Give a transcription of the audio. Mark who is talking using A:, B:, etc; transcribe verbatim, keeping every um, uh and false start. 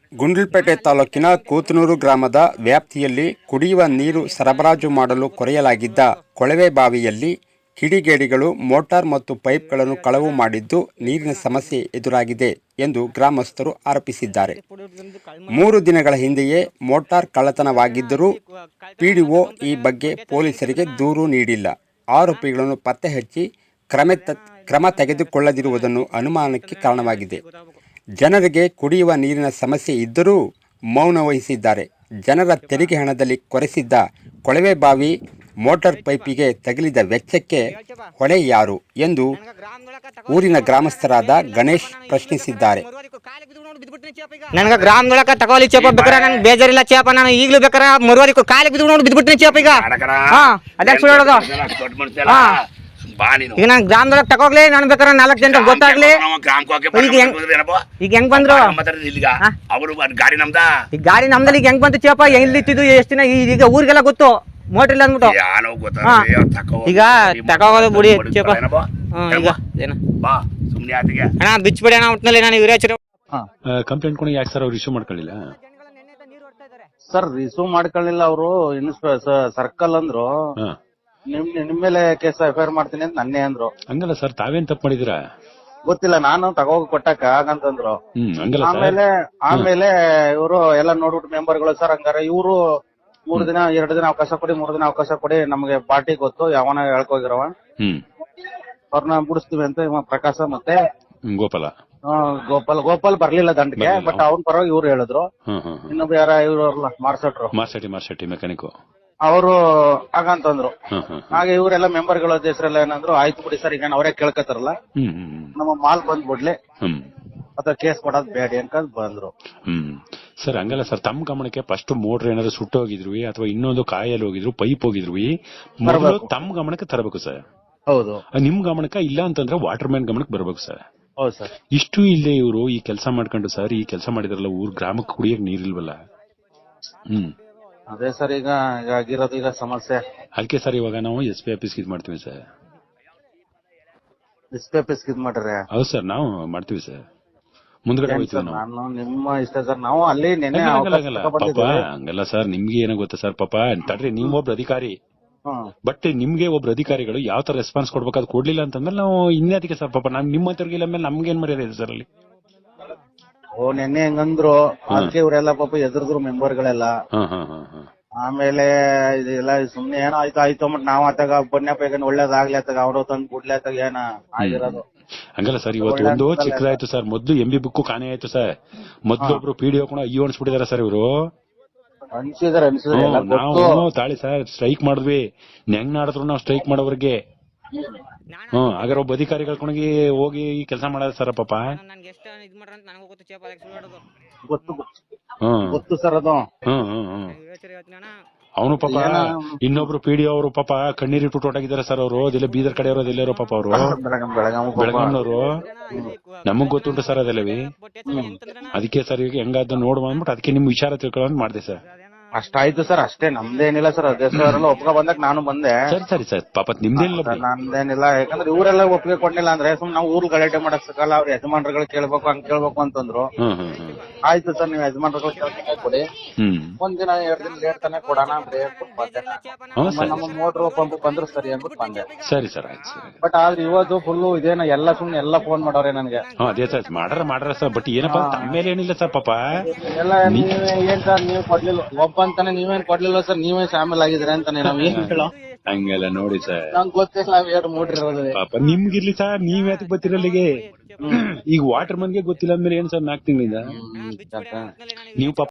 A: ಗುಂಡ್ಲುಪೇಟೆ ತಾಲೂಕಿನ ಕೂತನೂರು ಗ್ರಾಮದ ವ್ಯಾಪ್ತಿಯಲ್ಲಿ ಕುಡಿಯುವ ನೀರು ಸರಬರಾಜು ಮಾಡಲು ಕೊರೆಯಲಾಗಿದ್ದ ಕೊಳವೆ ಬಾವಿಯಲ್ಲಿ ಕಿಡಿಗೇಡಿಗಳು ಮೋಟಾರ್ ಮತ್ತು ಪೈಪ್ಗಳನ್ನು ಕಳವು ಮಾಡಿದ್ದು ನೀರಿನ ಸಮಸ್ಯೆ ಎದುರಾಗಿದೆ ಎಂದು ಗ್ರಾಮಸ್ಥರು ಆರೋಪಿಸಿದ್ದಾರೆ. ಮೂರು ದಿನಗಳ ಹಿಂದೆಯೇ ಮೋಟಾರ್ ಕಳ್ಳತನವಾಗಿದ್ದರೂ ಪಿಡಿಒ ಈ ಬಗ್ಗೆ ಪೊಲೀಸರಿಗೆ ದೂರು ನೀಡಿಲ್ಲ. ಆರೋಪಿಗಳನ್ನು ಪತ್ತೆ ಹಚ್ಚಿ ಕ್ರಮ ಕ್ರಮ ತೆಗೆದುಕೊಳ್ಳದಿರುವುದನ್ನು ಅನುಮಾನಕ್ಕೆ ಕಾರಣವಾಗಿದೆ. ಜನರಿಗೆ ಕುಡಿಯುವ ನೀರಿನ ಸಮಸ್ಯೆ ಇದ್ದರೂ ಮೌನ ವಹಿಸಿದ್ದಾರೆ. ಜನರ ತೆರಿಗೆ ಹಣದಲ್ಲಿ ಕೊರೆಸಿದ್ದ ಕೊಳವೆ ಬಾವಿ ಮೋಟಾರ್ ಪೈಪಿಗೆ ತಗುಲಿದ ವೆಚ್ಚಕ್ಕೆ ಹೊಣೆ ಯಾರು ಎಂದು ಊರಿನ ಗ್ರಾಮಸ್ಥರಾದ ಗಣೇಶ್ ಪ್ರಶ್ನಿಸಿದ್ದಾರೆ.
B: ನನಗೆ ಗ್ರಾಮದೊಳಕ ತಗೋಲಿ ಚೇಪ ಬೇಕಾರೆ ನಂಗೆ ಬೇಜಾರಿಲ್ಲ ಚೇಪ, ನಾನು ಈಗಲೂ ಬೇಕಾರೆ ಮರುವಾರಿ ಕಾಲಿಗೆ ಬಿದ್ದು ನೋಡಿ ಬಿದ್ಬಿಡ್ತೀನಿ ಚೇಪ. ಈಗ ಹಾ ಅದಕ್ಕೆ ಸುಳ್ಳೋದು. ಹಾ ಈಗ ನಾನು ಗ್ರಾಮದೊಳಗೆ ತಗೋಗ್ಲಿ, ನಾನು ಬೇಕಾದ್ರೆ ನಾಲ್ಕು ಜನ ಗೊತ್ತಾಗ್ಲಿ. ಈಗ ಈಗ ಹೆಂಗ್ ಬಂದ್ರು ಈಗ ಗಾಡಿ ನಮ್ದಲ್ಲಿ ಈಗ ಹೆಂಗ್ ಬಂತು ಚೇಪ? ಎಲ್ಲಿ ಇತ್ತಿದ್ದು ಎಷ್ಟು ದಿನ? ಈಗ ಊರಿಗೆಲ್ಲ ಗೊತ್ತು ಮೋಟ್ರ್ ಇಲ್ಲ ಅಂದ್ಬಿಟ್ಟು. ಈಗ ತಗೋಗೋದು ಬಿಡಿ ಚೇಪ. ಈಗ ಏನ ಅಣ್ಣ ಬಿಚ್ಬಿಡಿ ಅಣ್ಣ ಒಟ್ಟಿನಲ್ಲಿ. ನಾನು ಇವರೇ
C: ಕಂಪ್ಲೇಂಟ್ ಕೊಡಿ. ಯಾಕೆ ಸರ್ ಅವ್ರು ಇಶ್ಯೂ ಮಾಡ್ಕೊಳ್ಳಿಲ್ಲ?
D: ಸರ್ ರಿಸೀವ್ ಮಾಡ್ಕೊಳ್ಳಿಲ್ಲ ಅವರು. ಸರ್ಕಲ್ ಅಂದ್ರು ನಿಮ್ ನಿಮ್ ಮೇಲೆ ಕೇಸ್ ಎಫ್ ಐ ಆರ್ ಮಾಡ್ತೀನಿ ಅಂತ ನನ್ನೇ ಅಂದ್ರು.
C: ಹಂಗಲ್ಲ ಸರ್, ತಾವೇನ್ ತಪ್ಪು ಮಾಡಿದಿರಾ
D: ಗೊತ್ತಿಲ್ಲ, ನಾನು ತಗೋಗಿ ಕೊಟ್ಟಕ್ಕ ಹಾಗಂತಂದ್ರು. ಆಮೇಲೆ ಆಮೇಲೆ ಇವರು ಎಲ್ಲ ನೋಡ್ಬಿಟ್ಟು ಮೆಂಬರ್ಗಳು ಸರ್ ಹಂಗಾರೆ ಇವರು ಮೂರ್ ದಿನ ಎರಡು ದಿನ ಅವಕಾಶ ಕೊಡಿ, ಮೂರ್ ದಿನ ಅವಕಾಶ ಕೊಡಿ, ನಮ್ಗೆ ಪಾರ್ಟಿ ಗೊತ್ತು ಯಾವನ ಹೇಳ್ಕೋಗಿರವ ಅವ್ರನ್ನ ಬಿಡಿಸ್ತೀವಿ ಅಂತ ಇವ ಪ್ರಕಾಶ ಮತ್ತೆ
C: ಗೋಪಾಲ
D: ಗೋಪಾಲ್ ಗೋಪಾಲ್ ಬರ್ಲಿಲ್ಲ ದಂಡಕ್ಕೆ. ಬಟ್ ಅವ್ನ ಪರವಾಗಿ ಇವ್ರು ಹೇಳಿದ್ರು. ಇನ್ನೊಬ್ಬ ಯಾರ ಇವ್ರಲ್ಲ ಮಾರ್ಸಟ್ರು
C: ಮಾರ್ಸೆಟ್ಟಿ ಮಾರ್ಸೆಟ್ಟಿ ಮೆಕ್ಯಾನಿಕ್
D: ಅವರು ಹಾಗಂತಂದ್ರು. ಹಾಗೆ ಇವರೆಲ್ಲ ಮೆಂಬರ್ಗಳ ಹೆಸರೆಲ್ಲ ಏನಂದ್ರು, ಆಯ್ತು ಬಿಡಿ ಸರ್, ಈಗ ಅವರೇ ಕೇಳ್ಕತಾರಲ್ಲ ನಮ್ಮ ಮಾಲ್ ಬಂದ್ಬಿಡ್ಲಿ ಅಥವಾ ಕೇಸ್ ಕೊಡೋದ್ ಬೇಡ ಅನ್ಕೊಂಡ್ ಬಂದ್ರು.
C: ಹ್ಮ್ ಸರ್ ಹಂಗಲ್ಲ ಸರ್, ತಮ್ಮ ಗಮನಕ್ಕೆ ಫಸ್ಟ್ ಮೋಟರ್ ಏನಾದ್ರು ಸುಟ್ಟು ಹೋಗಿದ್ರು ಅಥವಾ ಇನ್ನೊಂದು ಕಾಯಲ್ಲಿ ಹೋಗಿದ್ರು, ಪೈಪ್ ಹೋಗಿದ್ರು, ಮೊದಲು ತಮ್ಮ ಗಮನಕ್ಕೆ ತರಬೇಕು ಸರ್.
D: ಹೌದು,
C: ನಿಮ್ ಗಮನಕ್ಕೆ ಇಲ್ಲ ಅಂತಂದ್ರೆ ವಾಟರ್ ಮ್ಯಾನ್ ಗಮನಕ್ಕೆ ಬರ್ಬೇಕು ಸರ್.
D: ಹೌದು ಸರ್.
C: ಇಷ್ಟು ಇಲ್ಲೇ ಇವರು ಈ ಕೆಲಸ ಮಾಡ್ಕೊಂಡು ಸರ್ ಈ ಕೆಲಸ ಮಾಡಿದ್ರಲ್ಲ, ಊರ್ ಗ್ರಾಮಕ್ಕೆ ಕುಡಿಯಕ್ ನೀರಿಲ್ವಲ್ಲ. ಹ್ಮ್
D: ಅದೇ ಸರ್ ಈಗ ಆಗಿರೋದು ಈಗ ಸಮಸ್ಯೆ.
C: ಅದಕ್ಕೆ ಸರ್ ಇವಾಗ ನಾವು ಎಸ್ ಪಿ ಆಫೀಸ್ ಇದ್ ಮಾಡ್ತೀವಿ ಸರ್.
D: ಎಸ್ ಪಿ ಆಫೀಸ್ ಇದ್ ಮಾಡ್ರಿ?
C: ಹೌದು ಸರ್, ನಾವು ಮಾಡ್ತೀವಿ ಸರ್. ಮುಂದ್ಗಡೆ ಹೋಗ್ತೀವಿ ನಾವು.
D: ನಾನು ನಿಮ್ಮ ಇಷ್ಟ ಸರ್, ನಾವು ಅಲ್ಲಿ ನೆನ್ನೆ
C: ಪಾಪ ಹಂಗಲ್ಲ ಸರ್, ನಿಮ್ಗೆ ಏನೋ ಗೊತ್ತಾ ಸರ್, ಪಾಪ ತಡ್ರಿ, ನೀವ್ ಒಬ್ರು ಅಧಿಕಾರಿ. ಬಟ್ ನಿಮ್ಗೆ ಒಬ್ರು ಅಧಿಕಾರಿಗಳು ಯಾವ ತರ ರೆಸ್ಪಾನ್ಸ್ ಕೊಡ್ಬೇಕು ಅದು ಕೊಡ್ಲಿಲ್ಲ ಅಂತಂದ್ರೆ ನಾವು ಇನ್ನದಕ್ಕೆ ಸರ್ ಪಾಪ ನಾವ್ ನಿಮ್ಮ ಹತ್ತಿರ ಮೇಲೆ ನಮ್ಗೆ ಏನ್ ಮರ್ಯಾದೆ ಇದೆ ಸರ್ ಅಲ್ಲಿ?
D: ಓ ನೆನ್ನೆ ಹೆಂಗಂದ್ರು ಅದಕ್ಕೆ ಇವರೆಲ್ಲ ಪಾಪ ಎದುರಿದ್ರು ಮೆಂಬರ್ಗಳೆಲ್ಲ. ಆಮೇಲೆ ಇದೆಲ್ಲ ಸುಮ್ನೆ ಏನೋ ಆಯ್ತು ಆಯ್ತು ಅಂದ್ಬಿಟ್ಟು ನಾವ್ ಆತಾಗ ಬನ್ಯಪ್ಪ ಒಳ್ಳೇದಾಗ್ಲಿ ಆತಾಗ ಅವ್ರು ತಂದ್ ಕೊಡ್ಲಿ ಆತಾಗ ಏನ ಆಗಿರೋದು.
C: ಹಂಗಲ್ಲ ಸರ್, ಇವತ್ತು ಒಂದು ಚಿಕ್ಕದಾಯ್ತು ಸರ್. ಮೊದ್ಲು ಎಂ ಬಿ ಬುಕ್ ಕಾಣೆ ಆಯ್ತು ಸರ್. ಮೊದ್ಲು ಒಬ್ರು ಪಿಡಿಒ ಕೂಡ ಅಯ್ಯೋ ಅನ್ಸ್ಬಿಟ್ಟಿದಾರ ಸರ್ ಇವರು.
D: ಅನ್ಸಿದಾರೆ ಅನ್ಸಿದ್ರೆ
C: ನಾವು ತಾಳಿ ಸರ್ ಸ್ಟ್ರೈಕ್ ಮಾಡಿದ್ವಿ. ಹೆಂಗ್ ನಾಡಿದ್ರು ನಾವು ಸ್ಟ್ರೈಕ್ ಮಾಡೋವ್ರಿಗೆ. ಹ್ಮ್ ಹಾಗಾದ್ರೆ ಒಬ್ಬ ಅಧಿಕಾರಿಗಳ ಕೊಣಗಿ ಹೋಗಿ ಕೆಲಸ ಮಾಡೋದು ಸರ್ ಪಾಪ.
D: ಗೊತ್ತು ಗೊತ್ತು ಸರ್ ಅದು.
C: ಹ್ಮ್ ಹ್ಮ್ ಹ್ಮ್ ಅವನು ಪಾಪ ಇನ್ನೊಬ್ರು ಪಿಡಿಒ ಅವರು ಪಾಪ ಕಣ್ಣೀರಿಟ್ಟು ಹೊರಟಾಗಿದ್ದಾರೆ ಸರ್. ಅವರು ಅದೆಲ್ಲ ಬೀದರ್ ಕಡೆ ಅವರು ಅದೆಲ್ಲರೋ ಪಾಪ ಅವರು ಬೆಳಗಾವಿನವರು. ನಮಗ್ ಗೊತ್ತುಂಟು ಸರ್ ಅದೆಲ್ಲವಿ. ಅದಕ್ಕೆ ಸರ್ ಈಗ ಹೆಂಗಾದ ನೋಡುವ ಅಂದ್ಬಿಟ್ಟು ಅದಕ್ಕೆ ನಿಮ್ ವಿಚಾರ ತಿಳ್ಕೊಳ್ಳೋದು ಮಾಡಿದೆ ಸರ್.
D: ಅಷ್ಟಾಯ್ತು ಸರ್, ಅಷ್ಟೇ, ನಮ್ದೇನಿಲ್ಲ ಸರ್. ಅಧ್ಯಕ್ಷರೆಲ್ಲ ಒಪ್ಕೊ ಬಂದಾಗ ನಾನು ಬಂದೆ.
C: ಸರಿ ಸರಿ ಸರ್, ಪಾಪ ನಿಮ್ದೇನಿಲ್ಲ,
D: ನಮ್ದೇನಿಲ್ಲ. ಯಾಕಂದ್ರೆ ಇವರೆಲ್ಲ ಒಪ್ಪಿಗೆ ಕೊಡ್ಲಿಲ್ಲ ಅಂದ್ರೆ ಸುಮ್ ನಾವು ಊರು ಗಲಾಟೆ ಮಾಡಕ್ ಸಕಲ್ಲ. ಅವ್ರ ಯಜಮಾನ್ರುಗಳು ಕೇಳ್ಬೇಕು ಹಂಗ್ ಕೇಳ್ಬೇಕು ಅಂತಂದ್ರು. ಆಯ್ತು ಸರ್, ನೀವು ಯಜಮಾನ್ರುಗಳು ಕೇಳ್ಕೊಂಡೆ ಕೊಡಿ, ಒಂದ್ ದಿನ ಎರಡ್ ದಿನ ಲೇಟ್ ತಾನೆ ಕೊಡೋಣ ನಮ್ಮ ಮೋಟ್ರು ಪಂಪ್ ಬಂದ್ರು ಸರಿ ಅಂದ್ಬಿಟ್ಟು ಬಂದೆ.
C: ಸರಿ ಸರ್ ಆಯ್ತು ಸರ್.
D: ಬಟ್ ಆದ್ರೆ ಇವತ್ತು ಫುಲ್ಲು ಇದೇನ ಎಲ್ಲ ಸುಮ್ನೆ ಎಲ್ಲ ಫೋನ್ ಮಾಡೋರೆ ನನ್ಗೆ.
C: ಅದೇ ಸರ್ ಮಾಡ್ರ ಮಾಡ್ರ ಸರ್. ಬಟ್ ಏನಪ್ಪಾ ತಮ್ಮ ಮೇಲೆ ಏನಿಲ್ಲ ಸರ್ ಪಾಪ.
D: ಎಲ್ಲ ಏನ್ ಸರ್ ನೀವು ಕೊಡ್ಲಿಲ್ಲ ಒಬ್ಬ ಅಂತಾನೆ, ನೀವೇನ್ ಕೊಡ್ಲಿಲ್ಲ ಸರ್, ನೀವೇ ಶಾಮಿಲ್ ಆಗಿದ್ರೆ ಅಂತಾನೆ. ನಾವ್ ಏನ್ ಹೇಳೋ
C: ಹಂಗೆಲ್ಲ ನೋಡಿ ಸರ್,
D: ನಂಗೆ ಗೊತ್ತಿಲ್ಲ ನಾವ್ ಎರಡು ಮೂಡ್ರಿರೋದು.
C: ಪಾಪ ನಿಮ್ಗಿರ್ಲಿ ಸರ್, ನೀವ್ ಯಾತಕ್ ಬರ್ತಿರಲ್ಲಿಗೆ? ಈಗ ವಾಟರ್ ಮನ್ಗೆ ಗೊತ್ತಿಲ್ಲ ಅಂದ್ಮೇಲೆ ಏನ್ ಸರ್ ನಾಲ್ಕು ತಿಂಗಳಿಂದ ನೀವು ಪಾಪ